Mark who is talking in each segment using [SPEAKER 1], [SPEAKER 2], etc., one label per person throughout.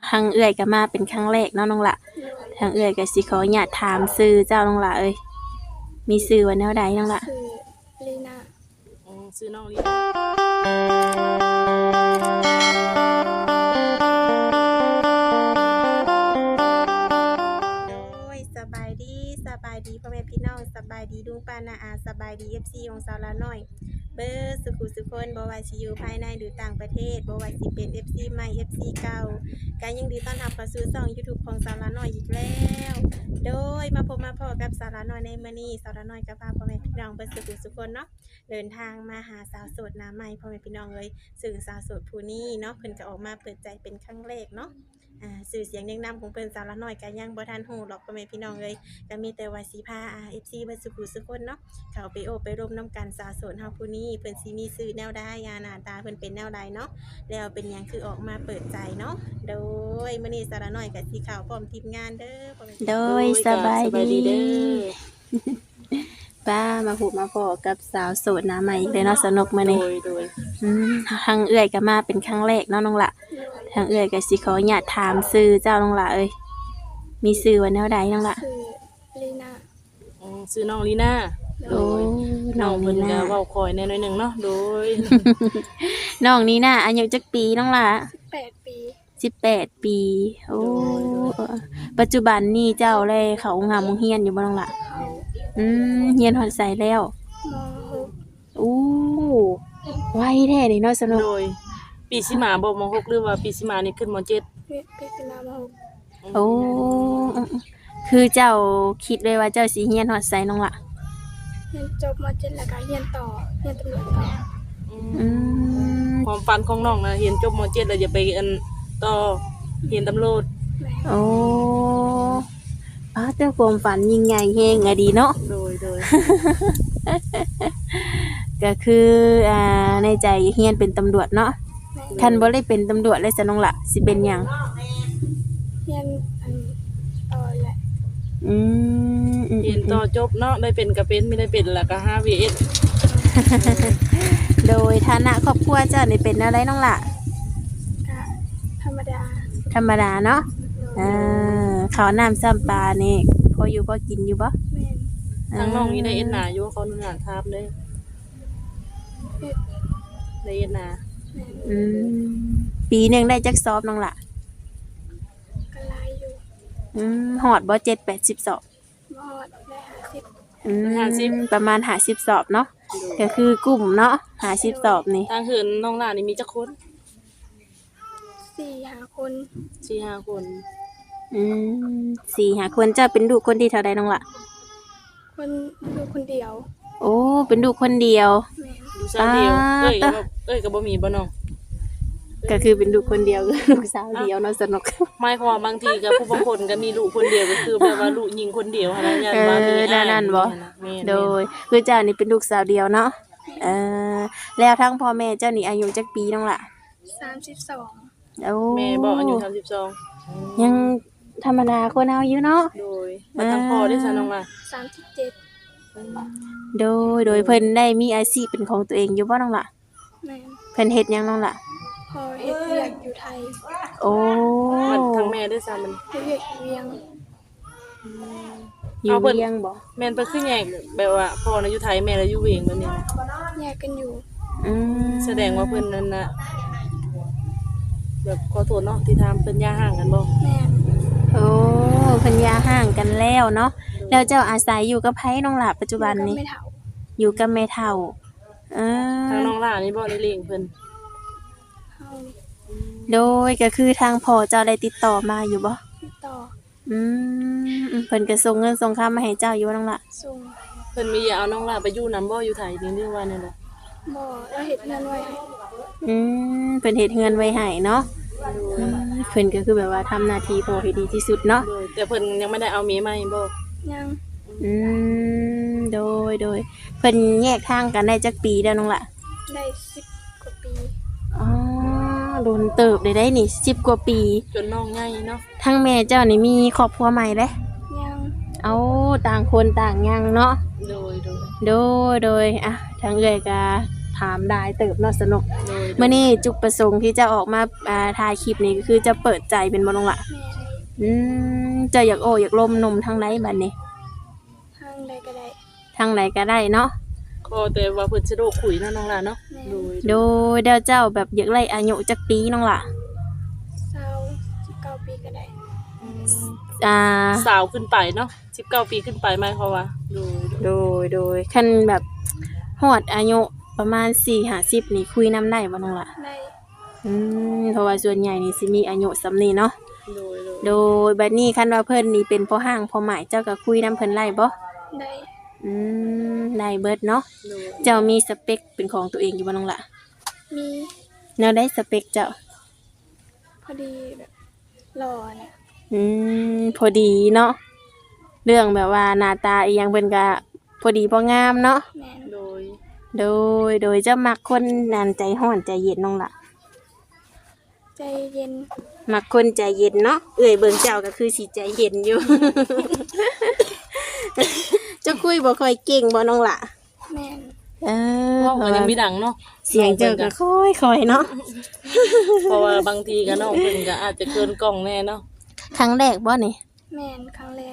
[SPEAKER 1] ทางเอื้อยก็มาเป็นครั้งแรกเนาะน้องละทางเอื้อยก็สิขออนุญาตถามชื่อเจ้าน้องละเอ้ยมีชื่อว่าแนวใดน้องละ
[SPEAKER 2] คือลีน่า
[SPEAKER 3] ซื้อน้องลี
[SPEAKER 1] สบายดีพ่อแม่พี่น้องสบายดีลุงป้าน้าอาสบายดี FC ของสาวละน้อยเบอร์สุขุสุคนบ่ว่าสิอยู่ภายในหรือต่างประเทศบ่ว่าสิเป็น FC ใหม่ FC เก่าก็ยังดีต้อนรับเข้าสู่ช่อง YouTube ของสาวละน้อยอีกแล้วโดยมาพบมาพอกับสาวละน้อยในมื้อนี้สาวละน้อยก็พาพ่อแม่พี่น้องเบอร์สุขุสุคนเนาะเดินทางมาหาสาวโสดหน้าใหม่พ่อแม่พี่น้องเลยซึ่งสาวโสดผู้นี้เนาะเพิ่นก็ออกมาเปิดใจเป็นครั้งแรกเนาะสื่อเสียงเรียงนำของเพิ่นสาวละน้อยก็ยังบ่ทันฮู้หรอกพ่อแม่พี่น้องเลยก็มีแต่ว่าสิพาFC เบิดสุขุสุคนเนาะเข้าไปโอบไปร่วมน้ำกันสาวโสดเฮาผู้นี้เพิ่นสิมีชื่อแนวใดหน้าตาเพิ่นเป็นแนวใดเนาะแล้วเป็นหยังคือออกมาเปิดใจเนาะโดยมื้อนี้สาวละน้อยก็สิเข้าพร้อมทีมงานเด้อพ่อแม่โดยสบายดีเด้อป้ามาพูดมาพอกับสาวโสดหน้าใหม่อีกเลยเนาะสนุกมื้อนี้
[SPEAKER 3] โดย
[SPEAKER 1] ทางเอื้อยก็มาเป็นครั้งแรกเนาะน้องละทางเอื้อยก็สิขออนุญาตถามชื่อเจ้าน้องละเอ้ยมีชื่อว่าแนวใดน้องละ
[SPEAKER 2] คือลีน่า
[SPEAKER 3] ซื้อน้องลีน่า
[SPEAKER 1] โอ้น้อง
[SPEAKER 3] เพิ่นก็
[SPEAKER 1] นี่นะ
[SPEAKER 3] เว้าคอยแน่หน่อยหนึงเนาะโดย
[SPEAKER 1] น้องนี่นะอายุจักปีน้องละ
[SPEAKER 2] 18 ปี
[SPEAKER 1] 18 ปีโอ้ปัจจุบันนี่เจ้าเลยเขางามเฮียนอยู่บ่น้องละเฮียนฮอดไสแล้ว
[SPEAKER 2] ม
[SPEAKER 1] โอ้ไวแท้นี่เนาะสนุก
[SPEAKER 3] โดยปีสิมาบ่ม.6หรือว่าปีสิมานี่ขึ้นม.7
[SPEAKER 2] ปีสิมาม
[SPEAKER 1] โอ้คือเจ้าคิดเลยว่าเจ้าสิเฮียนฮอดไสน้องละ
[SPEAKER 2] เรียนจบม.7แล้วก็เรียนต่อเรียนตำรวจต่อ
[SPEAKER 3] ความฝันของน้องนะเรียนจบม.7แล้วจะไปต่อเรียนตำรวจ
[SPEAKER 1] โอ้แต่ความฝันยิ่งใหญ่แฮงอะดีเนาะ
[SPEAKER 3] โดย
[SPEAKER 1] ก็คือในใจเฮียนเป็นตำรวจเนาะคันบ่ได้เป็นตำรวจเลยซะน้องละสิเป็นหยัง
[SPEAKER 2] เรียนต่อแหละ
[SPEAKER 3] เรียนต่อจบเนาะได้เป็นก็เป็นไม่ได้เป็นแล้วก็5 VS
[SPEAKER 1] โดยฐานะครอบครัวเจ้านี่เป็นอะไรน้องละ
[SPEAKER 2] ก็ธรรมดา
[SPEAKER 1] เนาะข้าวน้ำซ้ำปลานี่พออยู่พอกินอยู่บ่
[SPEAKER 2] แม่น
[SPEAKER 3] ทางน้องนี่ได้เอ็ดนาอยู่เขาหนุนถามเลยได้เอ็ดนา
[SPEAKER 1] ปีนึงได้จักสอบน้องละ
[SPEAKER 2] ก็หลายอยู่
[SPEAKER 1] ฮอดบ่7-80 สอบ
[SPEAKER 2] บ่ฮอดได้
[SPEAKER 1] 50ประมาณ50สอบเนาะก็คือกลุ่มเนาะ50สอบนี่
[SPEAKER 3] ทางเหินน้องหลานนี่มีจักคน
[SPEAKER 2] 4-5 คน
[SPEAKER 3] 4-5 คน
[SPEAKER 1] 4-5 คนเจ้าเป็นลูกคนที่เท่าใดน้องละ
[SPEAKER 2] ลูกคนเดียว
[SPEAKER 1] โอ้เป็นลูกคนเดียว
[SPEAKER 3] ลูกสาวเดียวก็บ่มีบ่น้อง
[SPEAKER 1] ก็คือเป็นลูกคนเดียวลูกสาวเดียวเนาะสนุก
[SPEAKER 3] หมายความว่าบางทีก็ผู้บางคนก็มีลูกคนเดียวก็คือแบบว่าลูกหญิงคนเดียวอะไรอย่างว่ามี
[SPEAKER 1] นั่นบ่โดยคือเจ้านี่เป็นลูกสาวเดียวเนาะแล้วทั้งพ่อแม่เจ้านี่อายุจักปีน้องล่ะ
[SPEAKER 2] 32
[SPEAKER 1] โอ้
[SPEAKER 3] แม่บ่อายุ32
[SPEAKER 1] ยังธรรมดาคนเฮาอยู่เนาะ
[SPEAKER 3] โดยมาทางพ่อได้ซะน้องล่ะ
[SPEAKER 2] 37
[SPEAKER 1] โดยเพิ่นได้มีอาชีพเป็นของตัวเองอยู่บ่น้องล่ะ
[SPEAKER 2] แม่น
[SPEAKER 1] เพิ่นเฮ็ดหยังน้องล่ะ
[SPEAKER 2] พอเฮ็ดเวียกอยู่ไทย
[SPEAKER 1] โอ้
[SPEAKER 3] ทางแม่ได้ซะมัน
[SPEAKER 2] เวียกเวียง
[SPEAKER 1] อยู่เวียงบ่
[SPEAKER 3] แม่นเพิ่นคือแยกแบบว่าพ่อน่ะอยู่ไทยแม่น่ะอยู่เวียงแบบนี้
[SPEAKER 2] แยกกันอยู่
[SPEAKER 3] แสดงว่าเพิ่นนั่นน่ะแบบขอโทษเนาะที่ทำเพิ่นย่าห่างกันบ่
[SPEAKER 2] แม่น
[SPEAKER 1] โอ้เพิ่นย่าห่างกันแล้วเนาะแล้วเจ้าอาศัยอยู่กับไผน้องล่ะปัจจุบันนี้อยู่กับแม่เฒ่า
[SPEAKER 3] ทางน้องล่ะนี่บ่ได้เลี้ยงเพิ่น
[SPEAKER 1] โดยก็คือทางพ่อเจ้าได้ติดต่อมาอยู่บ่
[SPEAKER 2] ติดต่อ
[SPEAKER 1] เพิ่นก็ส่งเงินส่งคำมาให้เจ้าอยู่น้องล่ะ
[SPEAKER 2] ส่ง
[SPEAKER 3] เพิ่นมีเอาน้องล่ะไปอยู่นำบ่อยู่ไทยนี่หรือว่าแนวใด
[SPEAKER 2] บ่แล้วเฮ็ดเงินไว้ให้
[SPEAKER 1] เพิ่นเฮ็ดเงินไว้ให้เนาะเพิ่นก็คือแบบว่าทำหน้าที่พ่อให้ดีที่สุดเนาะ
[SPEAKER 3] แต่เพิ่นยังไม่ได้เอาเมียใหม่บ่
[SPEAKER 2] ยัง
[SPEAKER 1] โดยเพิ่นแยกทางกันได้จักปีแล้วน้องล่ะ
[SPEAKER 2] ได้10 กว่าปี
[SPEAKER 1] โดนเติบได้นี่10 กว่าปี
[SPEAKER 3] จนน้องใหญ่เนาะ
[SPEAKER 1] ทั้งแม่เจ้านี่มีครอบครัวใหม่เด้
[SPEAKER 2] ยัง
[SPEAKER 1] เอาต่างคนต่างยังเนาะ
[SPEAKER 3] โดย
[SPEAKER 1] ทางเอื้อยก็ถถามได้เติบเนาะสนุก
[SPEAKER 3] โดย
[SPEAKER 1] มื้อนี้จุดประสงค์ที่จะออกมาถ่ายคลิปนี้ก็คือจะเปิดใจเป็นบ่น้องล่ะ
[SPEAKER 2] แม่น
[SPEAKER 1] จะอยากโอ้อยากลมนมทางไหนบัดนี้
[SPEAKER 2] ทางใดก็ได้
[SPEAKER 1] ทางไหนก็ได้เนาะ
[SPEAKER 3] ขอแต่ว่าเพิ่นสิโดคุยเนาะน้องล่ะเนาะโดย
[SPEAKER 1] โดยเดี๋ยวเจ้าแบบอยากไล่อายุจักปีน้องล่ะ
[SPEAKER 2] 19 ปีก็ได้
[SPEAKER 3] สาวขึ้นไปเนาะ19 ปีขึ้นไปหมายความว่าโดย
[SPEAKER 1] คันแบบฮอดอายุประมาณ4-50นี่คุยนํได้บ่น้องล่ะ
[SPEAKER 2] ได้
[SPEAKER 1] เพราะว่าส่วนใหญ่นี่สิมีอายุส่ำนี้เนาะ
[SPEAKER 3] โดย
[SPEAKER 1] โดยบัดนี้คันว่าเพิ่นนี่เป็นพ่อห้างพ่อหมายเจ้าก็คุยนํเพิ่นไล่บ่
[SPEAKER 2] ได้
[SPEAKER 1] ได้เบิดเนาะ
[SPEAKER 3] โดย
[SPEAKER 1] เจ้ามีสเปคเป็นของตัวเองอยู่บ่น้องล่ะ
[SPEAKER 2] มี
[SPEAKER 1] แนวได้สเปคเจ้า
[SPEAKER 2] พอดีแบบหล่อเนี่ย
[SPEAKER 1] พอดีเนาะเรื่องแบบว่าหน้าตาอีหยังเพิ่นก็พอดีพองามเนาะ
[SPEAKER 2] แม่น
[SPEAKER 3] โดย
[SPEAKER 1] โดยจะมักคนนั่นใจร้อนใจเย็นน้องล่ะ
[SPEAKER 2] ใจเย็น
[SPEAKER 1] มักคนใจเย็นเนาะเอ้ยเบิ่งเจ้าก็คือสิใจเย็นอยู่ เจ้าคุยบ่ค่อยเก่งบ่น้องล่ะ
[SPEAKER 2] แม่น
[SPEAKER 3] เว้าก็ยังมีดังเนาะ
[SPEAKER 1] เสียงเจ้าก็ค่อยๆเนาะ
[SPEAKER 3] เพราะว่าบางทีก็น้องเพิ่นก็อาจจะเกินกล้องแน่เนาะ
[SPEAKER 1] ครั้งแรกบ่นี่
[SPEAKER 2] แม่นครั้งแรก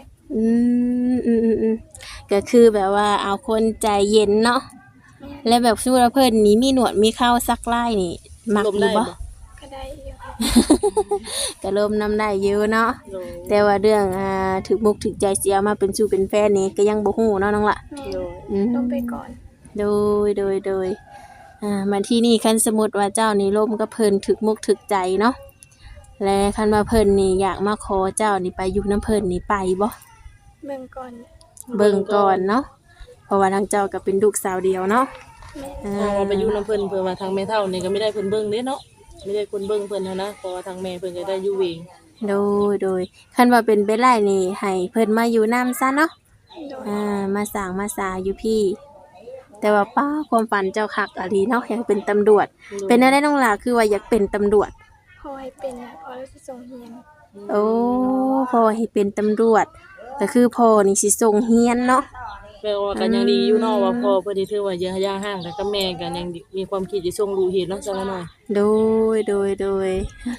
[SPEAKER 1] ก็คือแบบว่าเอาคนใจเย็นเนาะ
[SPEAKER 2] แม่น
[SPEAKER 1] และแบบสู้แล้วเพิ่นนี่มีหนวดมีเข้าซักไล่นี่มัก
[SPEAKER 3] ลม
[SPEAKER 1] อ
[SPEAKER 3] ได้
[SPEAKER 1] ยู่บ่
[SPEAKER 3] บ่
[SPEAKER 2] ก็ได้อยู่
[SPEAKER 1] ก็เริ่มนำได้เยอะเนาะ
[SPEAKER 3] โดย
[SPEAKER 1] แต่ว่าเรื่องถึกมุกถึกใจเสียมาเป็นสู่เป็นแฟนนี่ก็ยังบ่ฮู้เนาะน้องล่ะ
[SPEAKER 2] แม่น
[SPEAKER 3] โดย
[SPEAKER 2] ลงไปก่อน
[SPEAKER 1] โดยมาที่นี่คันสมมุติว่าเจ้านี่ร่มกับเพิ่นถึกมุกถึกใจเนาะและคันว่าเพิ่นนี่อยากมาขอเจ้านี่ไปอยู่นํเพิ่นนี่ไปบ่
[SPEAKER 2] เบิ่งก่อน
[SPEAKER 1] เบิ่งก่อนเนาะเพราะว่าทางเจ้าก็เป็นลูกสาวเดียวเนาะ
[SPEAKER 2] แม่น
[SPEAKER 3] เอาไปอยู่นํเพิ่นเพื่อว่าทางแม่เฒ่านี่ก็ไม่ได้เพิ่นเบิ่งเด้เนาะไม่ได้คนเบิ่งเพิ่นหั้นนะเพราะว่าทางแม่เพิ่นก็ได้อยู่เอง
[SPEAKER 1] โดยคันว่าเป็นไปได้นี่ให้เพิ่นมาอยู่นํซะเนาะ
[SPEAKER 2] โดย
[SPEAKER 1] มาสร้างมาสาอยู่พี่ แต่ว่าป้าความฝันเจ้าคักอะลีเนาะอยากเป็นตำรวจ เป็นอะไรน้องหล่ะคือว่าอยากเป็นตำรวจ
[SPEAKER 2] พอให้เป็นน่ะพอแล้วสิส่งเรียน
[SPEAKER 1] โอ้พ่อให้เป็นตำรวจก็คือพ่อนี่สิส่งเฮียนเนาะ
[SPEAKER 3] แปลว่าก็ยังดีอยู่เนาะว่าพ่อเพิ่นที่ถือว่าย่าห่างแต่ก็แม่ก็ยังมีความคิดจะส่งลูกเรียนเนาะจังหน่อย
[SPEAKER 1] โดย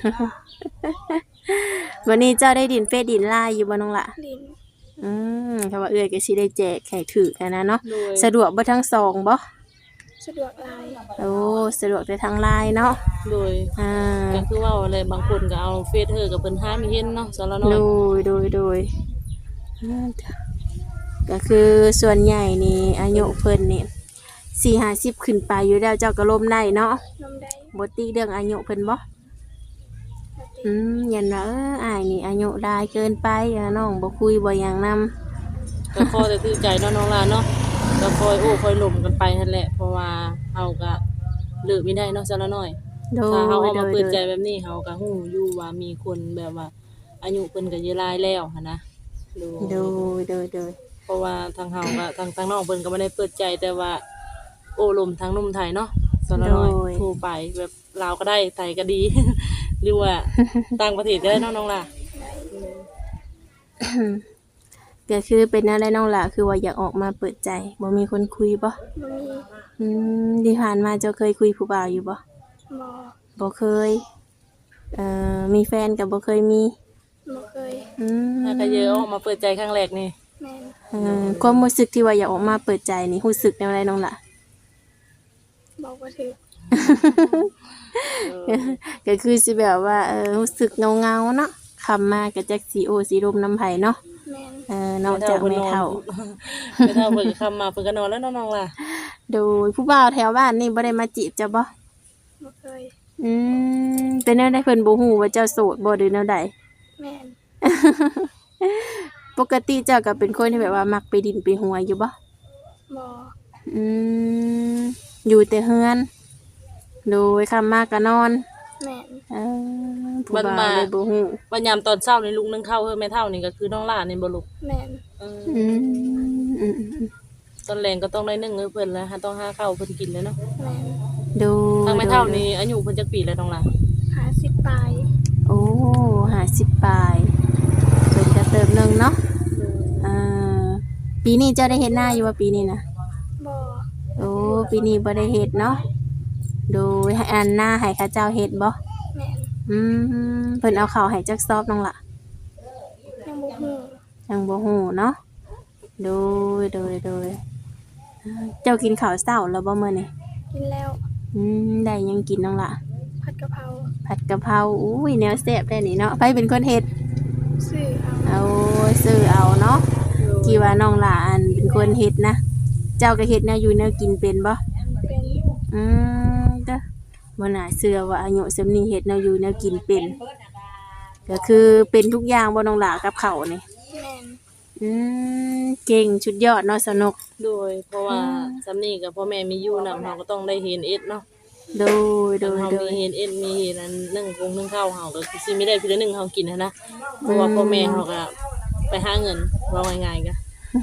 [SPEAKER 1] วันนี้เจ้าได้ดินเฟซดินไลน์อยู่บ่น้องหล่ะ
[SPEAKER 2] ลิน
[SPEAKER 1] ถ้าว่าเอื้อยก็สิได้แจกแขกถือกันนะเนาะ
[SPEAKER 3] โดย
[SPEAKER 1] สะดวกบ่ทั้งสองบ่
[SPEAKER 2] สะดวกหลาย
[SPEAKER 1] โอ้สะดวกแต่ทางไลน์เนาะ
[SPEAKER 3] โดย ก็คือว่าอะไรบางคนก็เอาเฟซเธอกับเพิ่นหามีเห็นเนาะจังหน่อย
[SPEAKER 1] โดยก็คือส่วนใหญ่นี่อายุเพิ่นนี่4-50ขึ้นไปอยู่แล้วเจ้าก็ล้มได้เนาะ
[SPEAKER 2] นมได้
[SPEAKER 1] บ่ติเรื่องอายุเพิ่นบ่
[SPEAKER 2] ปกติ
[SPEAKER 1] ยันว่าอ้ายนี่อายุหลายเกินไปน้องบ่คุยบ่หยังนำ
[SPEAKER 3] ก็ขอแต่ถือใจเนาะน้องลาเนาะก็คอยโอ้คอยหล่มกันไปนั่นแหละเพราะว่าเฮาก็เลิกไม่ได้เนาะจังหน่อย
[SPEAKER 1] โด
[SPEAKER 3] ถ้าเฮาเอา
[SPEAKER 1] ย
[SPEAKER 3] มาเปิดใจแบบนี้เฮาก็ฮู้อยู่ว่ามีคนแบบว่าอายุเพิ่นก็เยอะหลายแล้วหันนะโดยเพราะว่าทางเฮาก็ทางน้องเพิ่นก็บ่ได้เปิดใจแต่ว่าโอ้ลมทางหนุ่มไทยเนาะจังหน่อยโทรไปแบบลาวก็ได้ไทยก็ดี หรือว่าต่างประเทศก็ได้เนาะน้องล่ะ
[SPEAKER 1] ก็คือเป็นอะไรน้องล่ะคือว่าอยากออกมาเปิดใจบ่มีคนคุยบ่
[SPEAKER 2] บ่มี
[SPEAKER 1] ที่ผ่านมาเจ้าเคยคุยผู้บ่าวอยู่บ่
[SPEAKER 2] บ่
[SPEAKER 1] บ่เคยมีแฟนก็บ่เคยมี
[SPEAKER 2] บ่เคย
[SPEAKER 3] ถ้าก็เยอะออกมาเปิดใจครั้งแรกนี่
[SPEAKER 2] แม่น
[SPEAKER 1] ความรู้สึกที่ว่าอยากออกมาเปิดใจนี่รู้สึกแนวใดน้องล่ะ
[SPEAKER 2] บอกบ่ถูก
[SPEAKER 1] ก็คือสิแบบว่ารู้สึกเงาๆเนาะคำมาก็จักสิโอสิลมน้ำไผเนาะ
[SPEAKER 2] แม่น
[SPEAKER 1] นอกจากไม่เท่า
[SPEAKER 3] ไม่เท่าเพิ่นก็คำมาเพิ่นก็นอนแล้วเนาะน้องล่ะ
[SPEAKER 1] โดยผู้บ่าวแถวบ้านนี่บ่ได้มาจีบจ้ะบ่
[SPEAKER 2] บ่เคย
[SPEAKER 1] เป็นแนวใดเพิ่นบ่ฮู้ว่าเจ้าโสดบ่หรือแนวใด
[SPEAKER 2] แม่น
[SPEAKER 1] ปกติเจ้าก็เป็นคนที่แบบว่ามักไปดินไปหัวอยู่บ่
[SPEAKER 2] บ่
[SPEAKER 1] อยู่แต่เฮือน โดยคำมาก็นอน
[SPEAKER 2] แม่น
[SPEAKER 1] ผู้บ่าวเลยบ่ฮู้
[SPEAKER 3] วันยามตอนเช้านี่ลุงนึงเข้าเฮือแม่เท่านี่ก็คือน้องล่านี่บ่ลูก
[SPEAKER 2] แม่น
[SPEAKER 3] ตอนแรงก็ต้องได้นึ่งเพิ่นแล้วต้องหาข้าวเพิ่นกินเลยเนาะ
[SPEAKER 2] แม่น
[SPEAKER 1] โดย
[SPEAKER 3] ทางแม่เท่านี่อายุเพิ่นจักปีแล้วน้องล่ะ
[SPEAKER 2] 50ปลาย
[SPEAKER 1] โอ้50ปลายเพิ่นก็เติมหนึงเนาะปีนี้เจ้าได้เฮ็ดหน้าอยู่ว่าปีนี้นะ
[SPEAKER 2] บ่
[SPEAKER 1] โอ้ปีนี้บ่ได้เฮ็ดเนาะโดยให้อันหน้าให้เขาเจ้าเฮ็ดบ่
[SPEAKER 2] แม่น
[SPEAKER 1] เพิ่นเอาข้าวให้จักซอบน้องล่ะ
[SPEAKER 2] ยังบ่ฮู้
[SPEAKER 1] ยังบ่ฮู้เนาะโดยเจ้ากินข้าวเช้าแล้วบ่มื้อนี้
[SPEAKER 2] กินแล้ว
[SPEAKER 1] ได้หยังกินน้องล่ะ
[SPEAKER 2] ผัดกะเพรา
[SPEAKER 1] ผัดกะเพราอุ้ยแนวแซ่บได้นี่เนาะไผเป็นคนเฮ็ด
[SPEAKER 2] ซื้อเอา
[SPEAKER 1] เอาซื้อเอาเนาะกี่ว่าน้องล่ะอันเป็นคนเฮ็ดนะเจ้าก็เฮ็ดแนวอยู่แนวกินเป็นบ่
[SPEAKER 2] เป็น
[SPEAKER 1] เด้อบ่น่าเชื่อว่าอายุส่ำนี้เฮ็ดแนวอยู่แนวกินเป็นก็คือเป็นทุกอย่างบ่น้องล่ะกับข้าวนี่
[SPEAKER 2] แม่น
[SPEAKER 1] เก่งชุดยอดเนาะสนุก
[SPEAKER 3] โดยเพราะว่าสำนี้กับพ่อแม่มีอยู่นำเฮาก็ต้องได้เห็นเอ็ดเนาะ
[SPEAKER 1] โดย
[SPEAKER 3] เฮามีเห็นเอ็ดมีเห็นอันนึ่งกงนึ่งข้าวเฮาก็สิไม่ได้เพียงนึ่งเฮากินนะเพราะว่าพ่อแม่เฮาก็ไปหาเงินว่าง่ายๆก็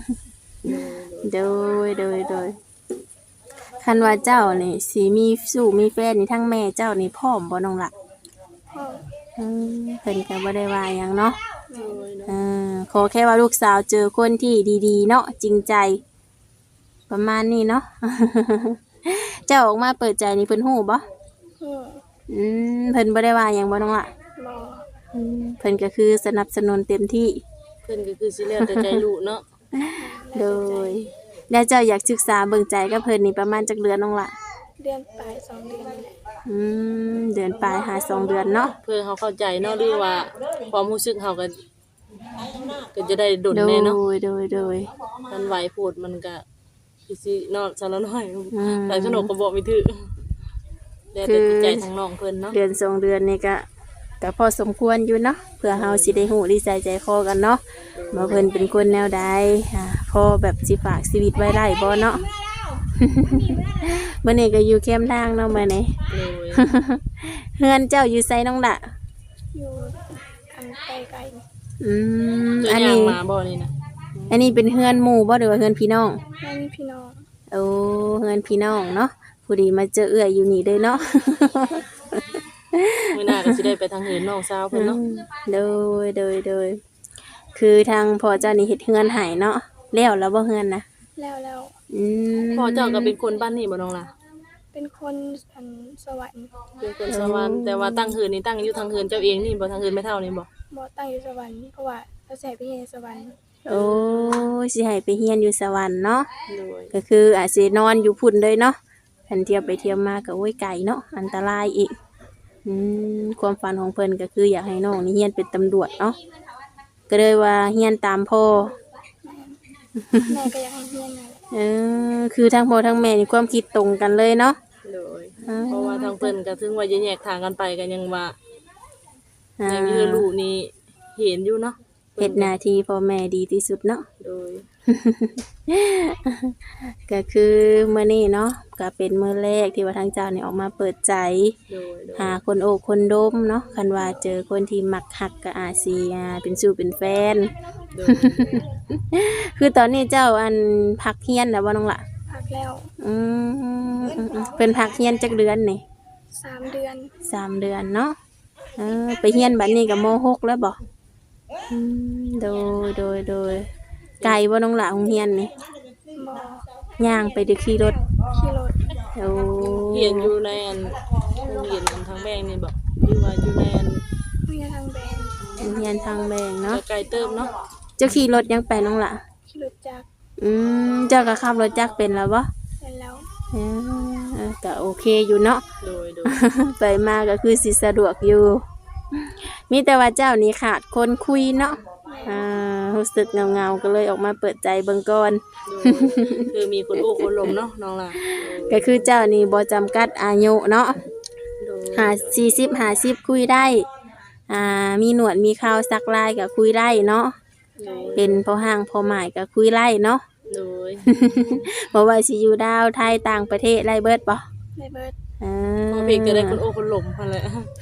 [SPEAKER 1] โดยคันว่าเจ้านี่สิมีสู่มีแฟนนี่ทั้งแม่เจ้านี่พร้อมบ่น้องล่ะ
[SPEAKER 2] พ่อ
[SPEAKER 1] เพิ่นก็บ่ได้ว่าหยังเนาะ
[SPEAKER 3] โดยเนาะ
[SPEAKER 1] ขอแค่ว่าลูกสาวเจอคนที่ดีๆเนาะจริงใจ ประมาณนี้เนาะ เจ้าออกมาเปิดใจนี่เพิ่นฮู้บ่
[SPEAKER 2] ฮู้
[SPEAKER 1] เพิ่นบ่ได้ว่าหยังบ่น้องล่ะ
[SPEAKER 2] บ่
[SPEAKER 1] เพิ่นก็คือสนับสนุนเต็มที่
[SPEAKER 3] เพิ่นก็คือสิแล้วแต่ใจลูกเนาะ
[SPEAKER 1] โดยแล้วเจ้าอยากศึกษาเบิ่งใจกับเพิ่นนี่ประมาณจักเดือนน้องล่ะ
[SPEAKER 2] เดือนปลาย2เดือนนี่แหละ
[SPEAKER 1] เดือนปลายหา2เดือนเนาะ
[SPEAKER 3] เพื่อเขาเข้าใจเนาะหรือว่าความรู้สึกเฮาก็จะได้ดล
[SPEAKER 1] โด
[SPEAKER 3] แน่เนาะ
[SPEAKER 1] ย
[SPEAKER 3] มันไหวโพดมันก็สิเนาะสารน้อย
[SPEAKER 1] อืม
[SPEAKER 3] แต่ขนมก็บอกไม่ถูกแล้วแต่จิตใจทางน้องเพิ่นเนาะ
[SPEAKER 1] เดือน2เดือนนี่ก็พอสมควรอยู่เนาะเพื่อเฮาสิได้ฮู้ดีใจคอกันเนาะว่าเพิ่นเป็นคนแนวใดพอแบบสิฝากชีวิตไว้ได้บ่เนาะ มื้อนี้ก็อยู่แคมป์ทางเนาะมื้อนี้
[SPEAKER 3] เลย
[SPEAKER 1] เฮือนเจ้าอยู่ไสน้องล่ะ
[SPEAKER 2] อยู่อันไกลๆนี่
[SPEAKER 3] ตัว
[SPEAKER 1] อัน
[SPEAKER 3] อย่าง
[SPEAKER 1] นี้
[SPEAKER 3] มาบ่นี่นะ
[SPEAKER 1] อันนี้เป็นเฮือนหมู่บ่หรือว่าเฮือนพี่น้อง
[SPEAKER 2] แม่มีพี่น้อง
[SPEAKER 1] โอ้เฮือนพี่น้องเนาะผู้ดีมาเจอเอื้อยอยู่นี่เด้อเนาะ
[SPEAKER 3] มื้อหน้าก็สิได้ไปทางเหินน้องสาวเพิ่นเนาะ
[SPEAKER 1] โดยคือทางพ่อเจ้านี่เฮ็ดเฮือนให้เนาะแล้วบ่เฮือนนะ
[SPEAKER 2] แล้ว
[SPEAKER 3] พ่อเจ้าก็เป็นคนบ้านนี่บ่น้องล่ะ
[SPEAKER 2] เป็นคนอันสวรรค์
[SPEAKER 3] เป็นคนสวรรค์แต่ว่าตั้งเหินนี่ตั้งอยู่ทางเหินเจ้าเองนี่บ่ทางเหินแม่เฒ่านี่บ่
[SPEAKER 2] บ่ตั้งอยู่สวรรค์เพราะว่าเราใส่ไปเรียนในสวรรค์
[SPEAKER 1] โอ้สิให้ไปเฮียนอยู่สวรรค์เนาะ
[SPEAKER 3] โดย
[SPEAKER 1] ก็คืออาจสินอนอยู่พุ่นเลยเนาะคันเที่ยวไปเที่ยวมาก็โอ้ยไกลเนาะอันตรายอีกความฝันของเพิ่นก็คืออยากให้น้องนี่เฮียนเป็นตำรวจเนาะก็เลยว่าเฮียนตามพ่อ
[SPEAKER 2] แม่ก็อยากให้เรียนนั่นแหละ
[SPEAKER 1] คือทั้งพ่อทั้งแม่นี่ความคิดตรงกันเลยเนาะ
[SPEAKER 3] โดยเพราะว่าทางเพิ่นก็ถึงว่าจะแยกทางกันไปก็ยังว่ายังมีลูกนี่เห็นอยู่เนาะ
[SPEAKER 1] เฮ็ดหน้าที่พ่อแม่ดีที่สุดเนาะ
[SPEAKER 3] โดย
[SPEAKER 1] ก็คือมื้อนี้เนาะก็เป็นมื้อแรกที่ว่าทางเจ้านี่ออกมาเปิดใจ
[SPEAKER 3] โดย
[SPEAKER 1] หาคนโอ้คนดมเนาะคันว่าเจอคนที่มักฮักก็อาจสิเป็นสู่เป็นแฟน
[SPEAKER 3] โดย
[SPEAKER 1] คือตอนนี้เจ้าอันพักเฮียนแล้วบ่น้องล่ะ
[SPEAKER 2] พักแล้ว
[SPEAKER 1] เพิ่นพักเฮียนจักเดือนนี่
[SPEAKER 2] 3 เดือน
[SPEAKER 1] 3 เดือนเนาะไปเฮียนบัดนี้ก็ม .6 แล้วบ่โดยไกลบ่น้องล่ะโรงเรียนนี่
[SPEAKER 2] บ่
[SPEAKER 1] ย่างไปหรือขี่รถ
[SPEAKER 2] ขี่รถ
[SPEAKER 1] โอ้
[SPEAKER 3] เรียนอยู่ในอันโรงเรียนทางแบงนี่บ่หรือว่าอยู่ในอัน
[SPEAKER 2] เรียนทางแบง
[SPEAKER 1] โรงเรียนทางแบงเนาะ
[SPEAKER 3] ไกลเติมเนาะ
[SPEAKER 1] เจ้าขี่รถยังไปน้องล่ะ
[SPEAKER 2] ขี่รถจักร
[SPEAKER 1] เจ้าก็ขับรถจักรเป็นแล้วบ่
[SPEAKER 2] เป็นแล้ว
[SPEAKER 1] ก็โอเคอยู่เนาะ
[SPEAKER 3] โดย
[SPEAKER 1] ไปมาก็คือสิสะดวกอยู่ มีแต่ว่าเจ้านี่ขาดคนคุยเนาะรู้สึกเงาๆก็เลยออกมาเปิดใจเบิ่งก่อน
[SPEAKER 3] คือมีคนโอ้คนลมเนาะน้องล่ะ
[SPEAKER 1] ก็คือเจ้านี่บ่จำกัดอายุเนาะ
[SPEAKER 3] โดย
[SPEAKER 1] 50คุยได้ มีหนวดมีเคราสักลายก็คุยได้เนาะ เป็นพ่อห้างพ่อหมายก็คุยไล่เนาะ
[SPEAKER 3] โดย
[SPEAKER 1] บ่ว่าสิอยู่ดาวไทยต่างประเทศไล่เบิดบ่
[SPEAKER 2] ได้เบิด
[SPEAKER 3] พอเพลงก็ได้คนโอ้คนลมหั่นแหละ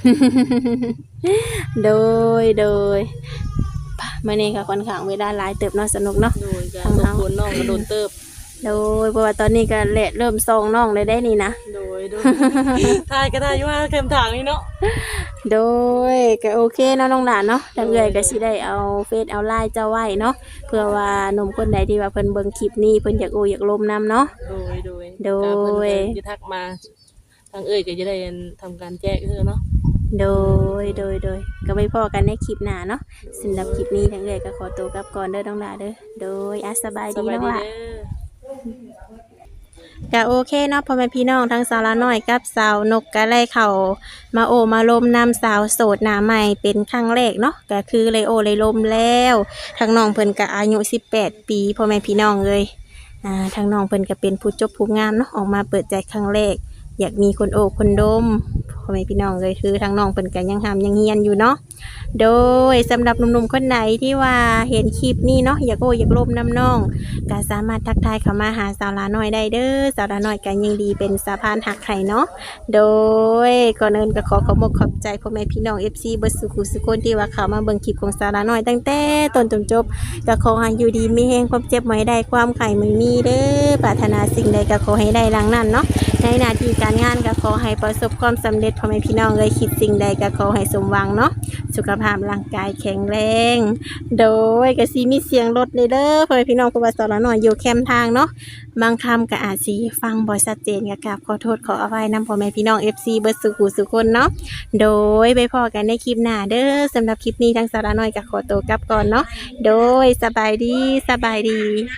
[SPEAKER 1] โดยมื้อนี้ก็ค่อนข้างเวลาหลายเติบเนาะสนุกเนาะ
[SPEAKER 3] โดยก็ทุกคนน้องก็โดนเติบ
[SPEAKER 1] โดยเพราะว่าตอนนี้ก็เริ่มส่องน้องเลยได้นี่นะ
[SPEAKER 3] โดยทายก็ได้อยู่ว่าเข็มถางนี่เนาะ
[SPEAKER 1] โดยก็โอเคเนาะน้องหลานเนาะทางเอื้อยก็สิได้เอาเฟซเอาไลน์เจ้าไว้เนาะเพื่อว่าหนุ่มคนใดที่ว่าเพิ่นเบิ่งคลิปนี้เพิ่นอยากโออยากลมนํเนาะ
[SPEAKER 3] โดย
[SPEAKER 1] โดย
[SPEAKER 3] ก็เพิ่นจะทักมาทางเอ้ยก็จะได้ทำการแจ้งคือเนาะ
[SPEAKER 1] โดยก็ไปพอกันในคลิปหน้าเนาะสำหรับคลิปนี้ทั้งเลยก็ขอตัวกลับก่อนเด้อน้องหลาเด้อโดยสบาย
[SPEAKER 3] ส
[SPEAKER 1] ดี
[SPEAKER 3] บาย
[SPEAKER 1] น้อง
[SPEAKER 3] ดี
[SPEAKER 1] หลา
[SPEAKER 3] เด้อ
[SPEAKER 1] ก็โอเคเนาะพ่อแม่พี่น้องทั้งสาวละน้อยกับสาวนกก็เลยเข้ามาโอมาลมนำสาวโสดหน้าใหม่เป็นครั้งแรกเนาะก็คือเลยโอเลยลมแล้วทั้งน้องเพิ่นก็อายุ18 ปีพ่อแม่พี่น้องเลยทั้งน้องเพิ่นก็เป็นผู้จบผู้งามเนาะออกมาเปิดใจครั้งแรกอยากมีคนโอบคนดมพ่อแม่พี่น้องเลยคือทั้งน้องเพิ่นก็ยังหามยังเฮียนอยู่เนาะโดยสำหรับหนุ่มๆคนไหนที่ว่าเห็นคลิปนี้เนาะอยากโออยากลมน้ำน้อง ก็สามารถทักทายเข้ามาหาสาวลาน้อยได้เด้อสาวลาน้อยก็ยังดีเป็นสะพานหักไข่เนาะโดยก่อนอื่นก็ขอบอกขอบใจพ่อแม่พี่น้อง FC เบิดสุขุสุคนที่ว่าเข้ามาเบิ่งคลิปของสาวลาน้อยตั้งแต่ต้นจนจบก็ขอให้อยู่ดีมีแฮงความเจ็บบ่ให้ได้ความไข่ไม่มีเด้อปรารถนาสิ่งใดก็ขอให้ได้ดังนั้นเนาะในหน้าที่การงานก็ขอให้ประสบความสำเร็จพ่อแม่พี่น้องเลยคิดสิ่งใดก็ขอให้สมหวังเนาะสุขภาพร่างกายแข็งแรง โดยก็สิมีเสียงรถเด้อพ่อแม่พี่น้องเพราะว่าสอนหน่อยอยู่แคมป์ทางเนาะบางคำก็อาจสิฟังบ่ชัดเจนก็กราบขอโทษขออภัยนำพ่อแม่พี่น้อง FC เบิดสุขุสุคนเนาะโดยไปพอกันในคลิปหน้าเด้อสำหรับคลิปนี้ทางสาระน้อยก็ขอตัวกลับก่อนเนาะโดยสบายดี